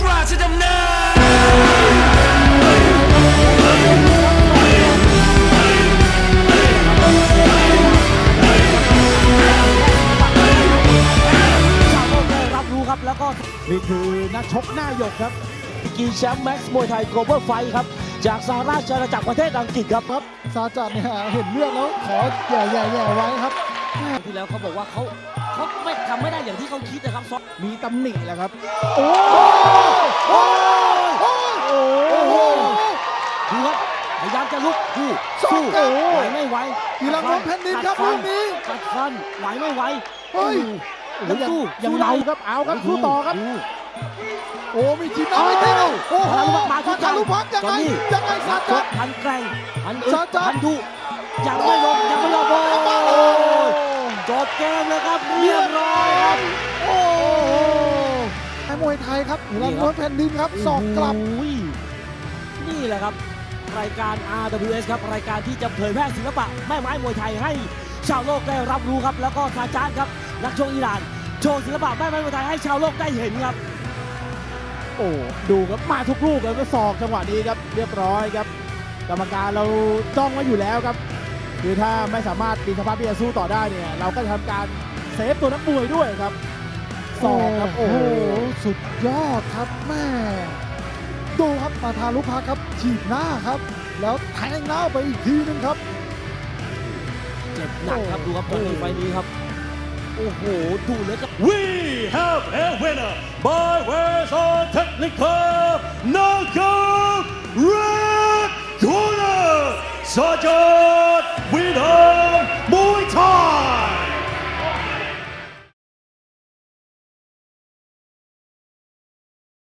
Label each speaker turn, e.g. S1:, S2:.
S1: ราชดำเนิ
S2: นแล้วก็นี่คือนักชกหน้าหยกครับกีแชมป์แม็กซ์มวยไทย Global Fight ครับจากสหราชอาณาจักรประเทศอังกฤษครับ
S3: ซาจัดเนี่ยเห็นเลือดแล้วขอแย่ไว้ครับ
S2: ที่แล้วเขาบอกว่าเขาไม่ทำไม่ได้อย่างที่เขาคิดนะครับ
S3: มีตำหนิแหละครับ
S2: โอ้ดูครับพยายามจะลุกสู้ไหวไม่ไหว
S3: อีรังน้องแผ่นดินครับลูกนี้
S2: กัดฟันไหวไม่ไหว
S3: เฮ้ย
S2: ยังสู้
S3: ยังเมาครับเอาครับสู้ต่อครับโอ้มีทีมเอาไม่ได้โอ้โห
S2: มาทุกทา
S3: ลุพักยังไงซาจัด
S2: พันแกร่งพันดุยังไม่ลงโอ้จบเกมเลยครับเรียบร้อยครับ
S3: โอ้มวยไทยครับอีรังน้องแผ่นดินครับสอกกลับ
S2: นี่แหละครับรายการ RWS ครับรายการที่จะเผยแพร่ศิลปะแม่ไม้มวยไทยให้ชาวโลกได้รับรู้ครับแล้วก็ซาจานครับนักชกอิหร่านโชว์ศิลปะแม่ไม้มวยไทยให้ชาวโลกได้เห็นครับ
S3: โอ้ดูครับมาทุกลูกแล้วก็ศอกจังหวะนี้ครับเรียบร้อยครับกรรมการเราจ้องไว้อยู่แล้วครับคือถ้าไม่สามารถมีสภาพที่จะสู้ต่อได้เนี่ยเราก็จะทำการเซฟตัวนักมวยด้วยครับศอกครับโอ้โหสุดยอดครับแม่ดูครับมาทารุพักครับฉีดหน้าครับแล้วแทงหน้าไปอีกทีนึงครับ
S2: เจ็บหนักครับดูครับไฟนี้ครับโอ้โหดูเลยครับ
S4: We have a winner by ways of technical knockout